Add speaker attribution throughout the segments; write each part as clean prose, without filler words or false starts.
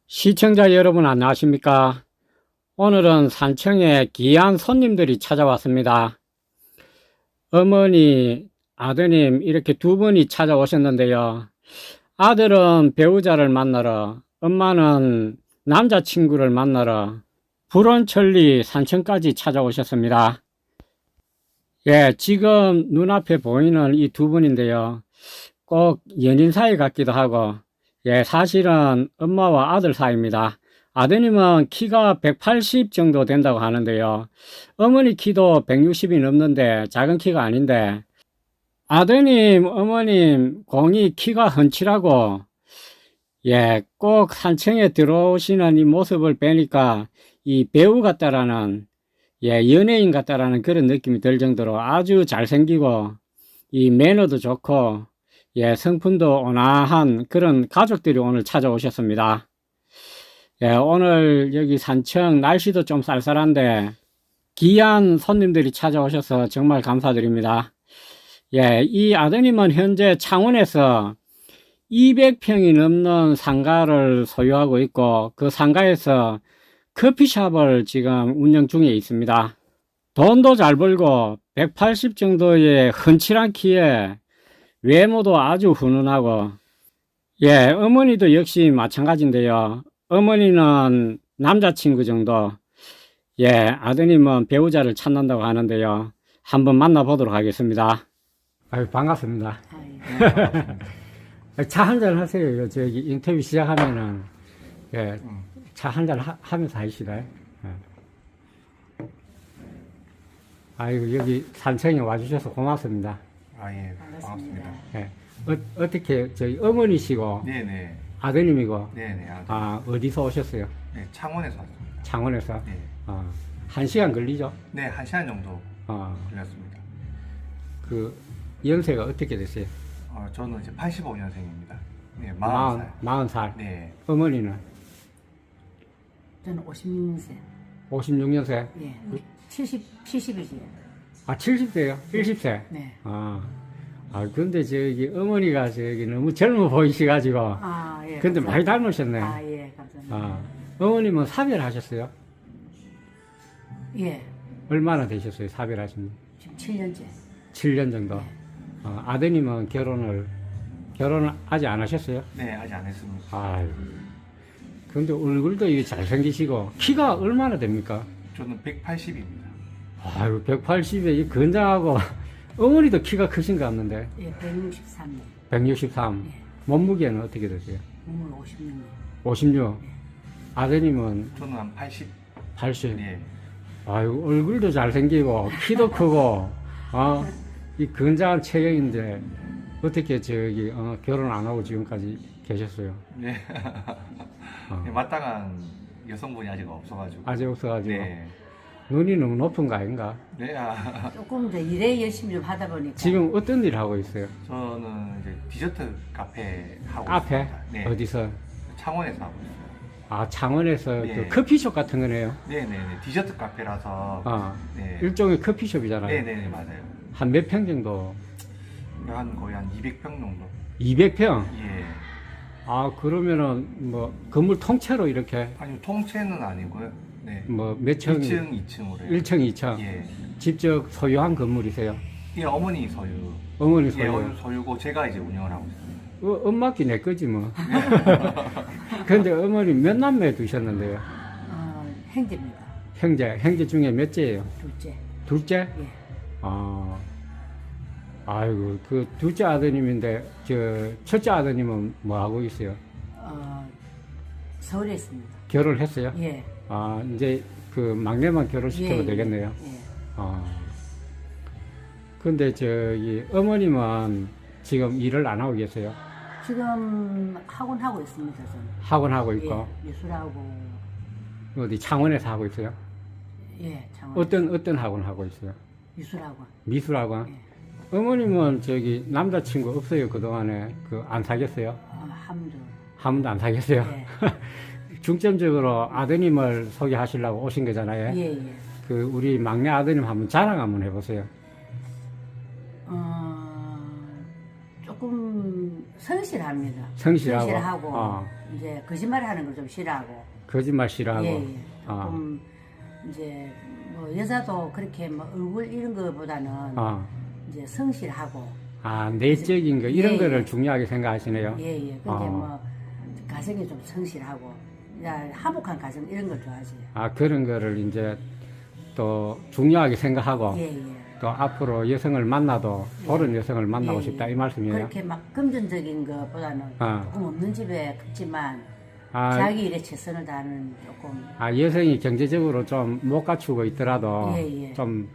Speaker 1: 시청자 여러분 안녕하십니까? 오늘은 산청에 귀한 손님들이 찾아왔습니다. 어머니, 아드님 이렇게 두 분이 찾아오셨는데요. 아들은 배우자를 만나러, 엄마는 남자친구를 만나러 불원천리 산청까지 찾아오셨습니다. 예, 지금 눈앞에 보이는 이 두 분인데요. 꼭 연인 사이 같기도 하고, 예, 사실은 엄마와 아들 사이입니다. 아드님은 키가 180 정도 된다고 하는데요. 어머니 키도 160이 넘는데 작은 키가 아닌데, 아드님, 어머님 공이 키가 훤칠하고, 예, 꼭 산청에 들어오시는 이 모습을 뵈니까 이 배우 같다라는, 예, 연예인 같다라는 그런 느낌이 들 정도로 아주 잘생기고, 이 매너도 좋고, 예, 성품도 온화한 그런 가족들이 오늘 찾아오셨습니다. 예, 오늘 여기 산청 날씨도 좀 쌀쌀한데 귀한 손님들이 찾아오셔서 정말 감사드립니다. 예, 이 아드님은 현재 창원에서 200평이 넘는 상가를 소유하고 있고 그 상가에서 커피숍을 지금 운영 중에 있습니다. 돈도 잘 벌고 180 정도의 훤칠한 키에 외모도 아주 훈훈하고, 예, 어머니도 역시 마찬가지인데요. 어머니는 남자친구 정도, 예, 아드님은 배우자를 찾는다고 하는데요. 한번 만나보도록 하겠습니다. 아유, 반갑습니다. 차 한잔 하세요. 저기 인터뷰 시작하면은, 예, 차 한잔 하면서 하시다. 예. 아이고, 여기 산청에 와주셔서 고맙습니다.
Speaker 2: 아, 예, 반갑습니다.
Speaker 1: 예. 어떻게, 저희 어머니시고,
Speaker 2: 네네.
Speaker 1: 아드님이고,
Speaker 2: 네네. 아들.
Speaker 1: 아, 어디서 오셨어요?
Speaker 2: 네, 창원에서 왔습니다.
Speaker 1: 창원에서?
Speaker 2: 네.
Speaker 1: 한 시간 걸리죠?
Speaker 2: 네, 1시간 정도
Speaker 1: 어,
Speaker 2: 걸렸습니다.
Speaker 1: 그, 연세가 어떻게 되세요?
Speaker 2: 저는 이제 85년생입니다. 네,
Speaker 1: 40살.
Speaker 2: 40살.
Speaker 1: 40살.
Speaker 2: 네.
Speaker 1: 어머니는?
Speaker 3: 저는 56년생.
Speaker 1: 56년생?
Speaker 3: 예. 70이지.
Speaker 1: 아, 70세요? 70세?
Speaker 3: 네.
Speaker 1: 근데 저기, 어머니가 저기 너무 젊어 보이시가지고,
Speaker 3: 아, 예.
Speaker 1: 근데 많이 닮으셨네.
Speaker 3: 아, 예. 감사합니다.
Speaker 1: 어머님은 사별하셨어요?
Speaker 3: 예.
Speaker 1: 얼마나 되셨어요? 사별하신
Speaker 3: 지금 7년째.
Speaker 1: 7년 정도. 아드님은 결혼을 아직 안 하셨어요?
Speaker 2: 네, 아직 안 했습니다.
Speaker 1: 아유. 근데 얼굴도 이게 잘생기시고, 키가 얼마나 됩니까?
Speaker 2: 저는 180입니다.
Speaker 1: 아유, 180에 이 건장하고, 어머니도 키가 크신 것 같는데,
Speaker 3: 예, 163년.
Speaker 1: 163.
Speaker 3: 예.
Speaker 1: 몸무게는 어떻게 되세요?
Speaker 3: 몸을 56년.
Speaker 1: 56. 아드님은
Speaker 2: 저는 한 80.
Speaker 1: 80.
Speaker 2: 네.
Speaker 1: 아유, 얼굴도 잘생기고, 키도 크고, 이 건장한 체형인데, 어떻게 저기, 결혼 안 하고 지금까지 계셨어요?
Speaker 2: 네. 네, 마땅한 여성분이 아직 없어가지고.
Speaker 1: 아직 없어가지고.
Speaker 2: 네.
Speaker 1: 눈이 너무 높은 거 아닌가?
Speaker 2: 네,
Speaker 3: 조금 더 일에 열심히 좀 하다 보니까.
Speaker 1: 지금 어떤 일 하고 있어요?
Speaker 2: 저는 이제 디저트 카페 하고
Speaker 1: 앞에?
Speaker 2: 있습니다. 네.
Speaker 1: 어디서?
Speaker 2: 창원에서 하고 있어요.
Speaker 1: 아, 창원에서
Speaker 2: 네.
Speaker 1: 그 커피숍 같은 거네요.
Speaker 2: 네네네. 디저트 카페라서. 네.
Speaker 1: 일종의 커피숍이잖아요.
Speaker 2: 네네네, 맞아요.
Speaker 1: 한 몇 평 정도?
Speaker 2: 거의 한 200평 정도.
Speaker 1: 200평?
Speaker 2: 예.
Speaker 1: 아, 그러면은 뭐 건물 통째로 이렇게
Speaker 2: 아니요, 통째는 아니고요. 네.
Speaker 1: 뭐 몇 층?
Speaker 2: 1층, 2층으로 해요.
Speaker 1: 1층, 2층.
Speaker 2: 예.
Speaker 1: 직접 소유한 건물이세요?
Speaker 2: 예, 어머니 소유.
Speaker 1: 어머니
Speaker 2: 예,
Speaker 1: 소유.
Speaker 2: 어머니 소유고 제가 이제 운영을 하고 있습니다.
Speaker 1: 엄마끼 내 거지 뭐. 근데 어머니 몇 남매 두셨는데요?
Speaker 3: 형제입니다.
Speaker 1: 형제 중에 몇째예요?
Speaker 3: 둘째.
Speaker 1: 둘째?
Speaker 3: 예.
Speaker 1: 아이고, 그 둘째 아드님인데, 첫째 아드님은 뭐 하고 있어요?
Speaker 3: 서울에 있습니다.
Speaker 1: 결혼했어요?
Speaker 3: 예.
Speaker 1: 이제 그 막내만 결혼시켜도
Speaker 3: 예,
Speaker 1: 되겠네요.
Speaker 3: 예.
Speaker 1: 근데 저기 어머님은 지금 일을 안 하고 계세요?
Speaker 3: 지금 학원 하고 있습니다. 저는.
Speaker 1: 학원 하고 있고,
Speaker 3: 예, 미술하고.
Speaker 1: 어디 창원에서 하고 있어요?
Speaker 3: 예, 장원.
Speaker 1: 어떤 학원 하고 있어요?
Speaker 3: 미술학원.
Speaker 1: 미술학원?
Speaker 3: 예.
Speaker 1: 어머님은 저기 남자친구 없어요? 그동안에 안 사귀었어요?
Speaker 3: 함도.
Speaker 1: 한 번도 안 사귀었어요?
Speaker 3: 예.
Speaker 1: 중점적으로 아드님을 소개하시려고 오신 거잖아요.
Speaker 3: 예, 예.
Speaker 1: 그 우리 막내 아드님 한번 자랑 한번 해보세요.
Speaker 3: 조금 성실합니다.
Speaker 1: 성실하고.
Speaker 3: 성실하고 이제 거짓말하는 걸 좀 싫어하고.
Speaker 1: 거짓말 싫어하고.
Speaker 3: 예, 예.
Speaker 1: 아.
Speaker 3: 조금 이제 뭐 여자도 그렇게 뭐 얼굴 이런 거보다는
Speaker 1: 아,
Speaker 3: 이제 성실하고.
Speaker 1: 아, 내적인 거, 이런
Speaker 3: 예,
Speaker 1: 거를
Speaker 3: 예.
Speaker 1: 중요하게 생각하시네요.
Speaker 3: 예, 예. 근데
Speaker 1: 아.
Speaker 3: 뭐 가정이 좀 성실하고, 야, 화목한 가정 이런 걸 좋아하지.
Speaker 1: 아, 그런 거를 이제 또 중요하게 생각하고,
Speaker 3: 예, 예.
Speaker 1: 또 앞으로 여성을 만나도 그런 여성을 만나고
Speaker 3: 예,
Speaker 1: 싶다,
Speaker 3: 예.
Speaker 1: 이 말씀이에요?
Speaker 3: 그렇게 막 금전적인 것보다는
Speaker 1: 아.
Speaker 3: 조금 없는 집에 크지만
Speaker 1: 아,
Speaker 3: 자기 일에 최선을 다하는 조금.
Speaker 1: 아, 여성이 경제적으로 좀 못 갖추고 있더라도,
Speaker 3: 예, 예.
Speaker 1: 좀,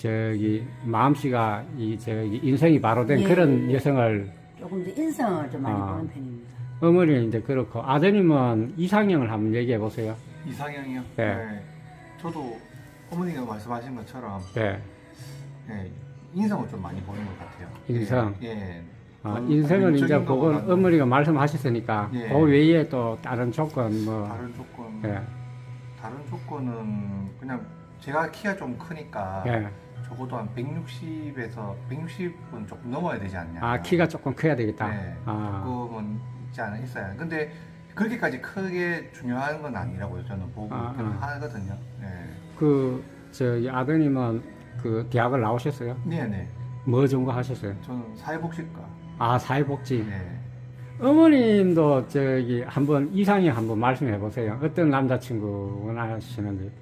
Speaker 1: 마음씨가, 인성이 바로 된
Speaker 3: 예,
Speaker 1: 그런
Speaker 3: 예.
Speaker 1: 여성을,
Speaker 3: 조금 이제 인성을 좀 많이
Speaker 1: 아.
Speaker 3: 보는 편입니다.
Speaker 1: 어머니는 이제 그렇고, 아드님은 이상형을 한번 얘기해 보세요.
Speaker 2: 이상형이요?
Speaker 1: 네.
Speaker 2: 저도 어머니가 말씀하신 것처럼
Speaker 1: 네.
Speaker 2: 예, 인성을 좀 많이 보는 것 같아요.
Speaker 1: 인성?
Speaker 2: 예.
Speaker 1: 아,
Speaker 2: 전
Speaker 1: 인생은 이제
Speaker 2: 외적인
Speaker 1: 그건
Speaker 2: 것보다는
Speaker 1: 어머니가 말씀하셨으니까,
Speaker 2: 예.
Speaker 1: 그 외에 또 다른 조건, 뭐,
Speaker 2: 다른 조건,
Speaker 1: 예,
Speaker 2: 다른 조건은 그냥 제가 키가 좀 크니까
Speaker 1: 예.
Speaker 2: 적어도 한 160에서 160은 조금 넘어야 되지 않냐.
Speaker 1: 아, 키가 조금 커야 되겠다.
Speaker 2: 네.
Speaker 1: 아,
Speaker 2: 조금은 있지 않아 있어야. 근데 그렇게까지 크게 중요한 건 아니라고요. 저는 보고
Speaker 1: 아,
Speaker 2: 하거든요.
Speaker 1: 아드님은 그 대학을 나오셨어요?
Speaker 2: 네, 네.
Speaker 1: 뭐 전공 하셨어요?
Speaker 2: 저는 사회복지과.
Speaker 1: 아, 사회복지.
Speaker 2: 네.
Speaker 1: 어머님도 한번 이상형 한번 말씀해 보세요. 어떤 남자친구 원하시는지.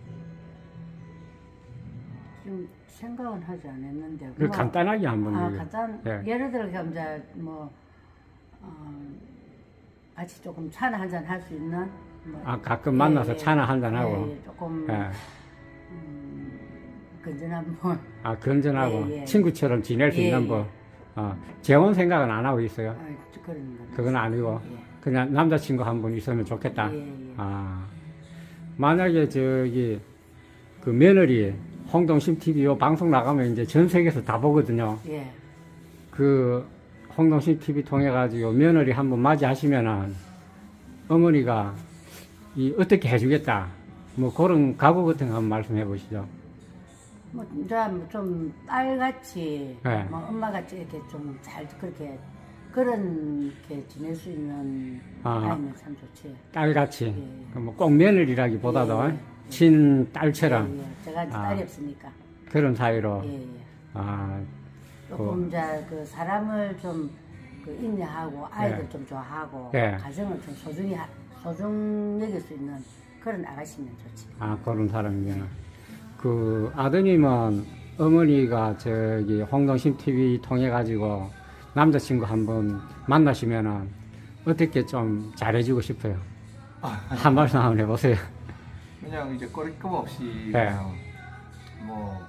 Speaker 3: 좀 생각은 하지 않았는데.
Speaker 1: 그 간단하게 한번.
Speaker 3: 아,
Speaker 1: 얘기해.
Speaker 3: 간단.
Speaker 1: 예.
Speaker 3: 예를 들어 이제 뭐 같이 조금 차나 한잔 할 수 있는. 뭐,
Speaker 1: 아, 가끔 만나서
Speaker 3: 예,
Speaker 1: 차나 한잔하고.
Speaker 3: 예, 예, 조금
Speaker 1: 예.
Speaker 3: 건전한 분.
Speaker 1: 아, 건전하고
Speaker 3: 예, 예.
Speaker 1: 친구처럼 지낼 수
Speaker 3: 예,
Speaker 1: 있는
Speaker 3: 예.
Speaker 1: 법. 재혼 생각은 안 하고 있어요.
Speaker 3: 그런 건.
Speaker 1: 그건 아니고
Speaker 3: 예.
Speaker 1: 그냥 남자친구 한 분 있으면 좋겠다.
Speaker 3: 예, 예.
Speaker 1: 아, 만약에 그 며느리 홍동심 TV 요 방송 나가면 이제 전 세계에서 다 보거든요.
Speaker 3: 예.
Speaker 1: 그 홍동심 TV 통해 가지고 며느리 한 번 맞이하시면은 어머니가 어떻게 해주겠다. 뭐 그런 각오 같은 거 한번 말씀해 보시죠.
Speaker 3: 뭐, 이제 좀 딸같이,
Speaker 1: 네.
Speaker 3: 뭐 엄마같이 이렇게 좀 잘 그렇게, 그렇게 지낼 수 있는
Speaker 1: 아.
Speaker 3: 아이면 참 좋지.
Speaker 1: 딸같이.
Speaker 3: 예.
Speaker 1: 뭐 꼭 며느리라기보다도
Speaker 3: 예, 예.
Speaker 1: 친딸처럼
Speaker 3: 예, 예. 제가 이제
Speaker 1: 아.
Speaker 3: 딸이 없으니까.
Speaker 1: 그런 사이로.
Speaker 3: 예, 예.
Speaker 1: 아,
Speaker 3: 조금 이제 그 사람을 좀 그 인내하고 아이들
Speaker 1: 예.
Speaker 3: 좀 좋아하고
Speaker 1: 예.
Speaker 3: 가정을 좀 소중 여길 수 있는 그런 아가씨면 좋지.
Speaker 1: 아, 그런 사람이면. 그 아드님은 어머니가 홍동심 TV 통해 가지고 남자친구 한번 만나시면은 어떻게 좀 잘해주고 싶어요. 한 말씀 한번 해보세요.
Speaker 2: 그냥 이제 거리낌 없이
Speaker 1: 네.
Speaker 2: 그냥 뭐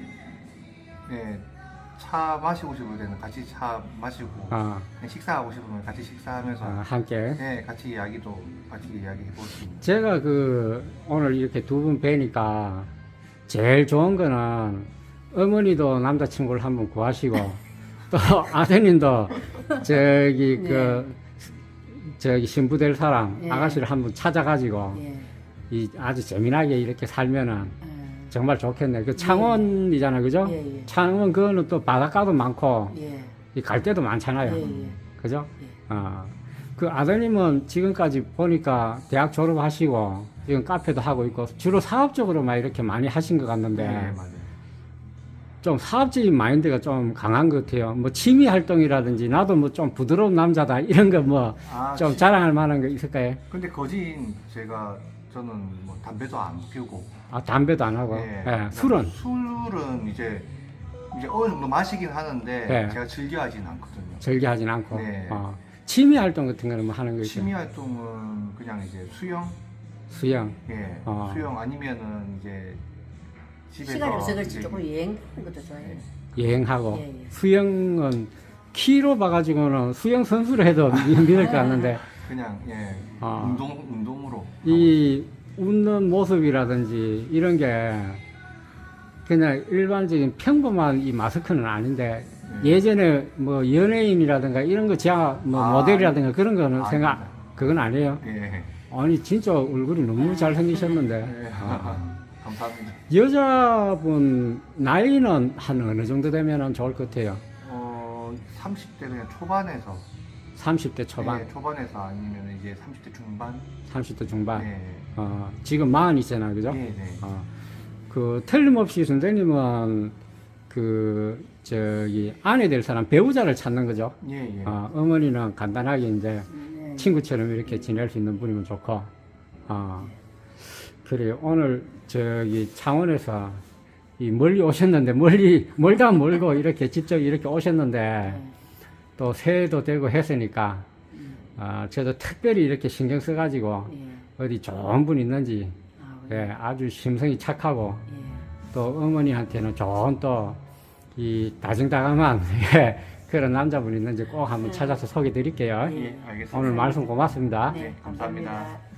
Speaker 2: 차 마시고 싶을 때는 같이 차 마시고
Speaker 1: 아,
Speaker 2: 그냥 식사하고 싶으면 같이 식사하면서
Speaker 1: 함께.
Speaker 2: 네, 같이 이야기해 볼 수 있는.
Speaker 1: 제가 오늘 이렇게 두 분 뵈니까 제일 좋은 거는 어머니도 남자친구를 한번 구하시고 또 아드님도 신부될 사람
Speaker 3: 예.
Speaker 1: 아가씨를 한번 찾아가지고
Speaker 3: 예.
Speaker 1: 아주 재미나게 이렇게 살면은
Speaker 3: 예.
Speaker 1: 정말 좋겠네. 그 창원이잖아요, 그죠?
Speaker 3: 예, 예.
Speaker 1: 창원 그거는 또 바닷가도 많고
Speaker 3: 예.
Speaker 1: 갈 데도 많잖아요.
Speaker 3: 예, 예.
Speaker 1: 그죠?
Speaker 3: 예.
Speaker 1: 그 아드님은 지금까지 보니까 대학 졸업하시고 지금 카페도 하고 있고 주로 사업적으로만 이렇게 많이 하신 것 같는데
Speaker 2: 네, 맞아요.
Speaker 1: 좀 사업적인 마인드가 좀 강한 것 같아요. 뭐 취미 활동이라든지 나도 뭐 좀 부드러운 남자다 이런 거 뭐 좀 자랑할 만한 거 있을까요?
Speaker 2: 근데 저는 뭐 담배도 안 피우고
Speaker 1: 아, 담배도 안 하고.
Speaker 2: 예,
Speaker 1: 예, 술은?
Speaker 2: 술은 이제 어느 정도 마시긴 하는데
Speaker 1: 예.
Speaker 2: 제가 즐겨하진 않거든요.
Speaker 1: 즐겨하진 않고.
Speaker 2: 네.
Speaker 1: 취미 활동 같은 거는 뭐 하는 거 있어요?
Speaker 2: 취미 활동은 그냥 이제
Speaker 1: 수영.
Speaker 2: 예,
Speaker 1: 어.
Speaker 2: 수영 아니면은 이제 집에서
Speaker 3: 시간이 없어 그렇지
Speaker 2: 이제
Speaker 3: 조금 여행하는 것도 좋아해.
Speaker 1: 여행하고.
Speaker 3: 예, 예.
Speaker 1: 수영은 키로 봐가지고는 수영 선수를 해도 믿을 것 같는데
Speaker 2: 그냥
Speaker 1: 아.
Speaker 2: 운동으로
Speaker 1: 이 웃는 모습이라든지 이런 게 그냥 일반적인 평범한 이 마스크는 아닌데 예전에 뭐 연예인이라든가 이런 거 제가 뭐
Speaker 2: 아,
Speaker 1: 모델이라든가 그런 거는
Speaker 2: 아닙니다.
Speaker 1: 그건 아니에요.
Speaker 2: 예.
Speaker 1: 아니 진짜 얼굴이 너무 잘생기셨는데
Speaker 2: 예. 감사합니다.
Speaker 1: 여자분 나이는 한 어느 정도 되면 좋을 것 같아요.
Speaker 2: 30대 그냥 초반에서
Speaker 1: 30대 초반,
Speaker 2: 네, 초반에서 아니면 이제 30대 중반.
Speaker 1: 30대 중반.
Speaker 2: 네.
Speaker 1: 지금 40이잖아, 그죠?
Speaker 2: 네, 네.
Speaker 1: 그 틀림없이 선생님은 그 저기 아내 될 사람 배우자를 찾는 거죠.
Speaker 2: 예, 예.
Speaker 1: 어머니는 간단하게 이제
Speaker 3: 네.
Speaker 1: 친구처럼 이렇게 지낼 수 있는 분이면 좋고, 그래 오늘 저기 창원에서 이 멀리 오셨는데 멀다 멀고 이렇게 직접 이렇게 오셨는데
Speaker 3: 네.
Speaker 1: 또 새해도 되고 했으니까 저도 특별히 이렇게 신경 써가지고
Speaker 3: 예.
Speaker 1: 어디 좋은 분 있는지
Speaker 3: 예.
Speaker 1: 예, 아주 심성이 착하고
Speaker 3: 예.
Speaker 1: 또 어머니한테는 좋은 또 이 다정다감한 예, 그런 남자분 있는지 꼭 한번 찾아서 소개 드릴게요.
Speaker 2: 예, 알겠습니다.
Speaker 1: 오늘 말씀 고맙습니다.
Speaker 3: 네,
Speaker 2: 감사합니다.
Speaker 3: 감사합니다.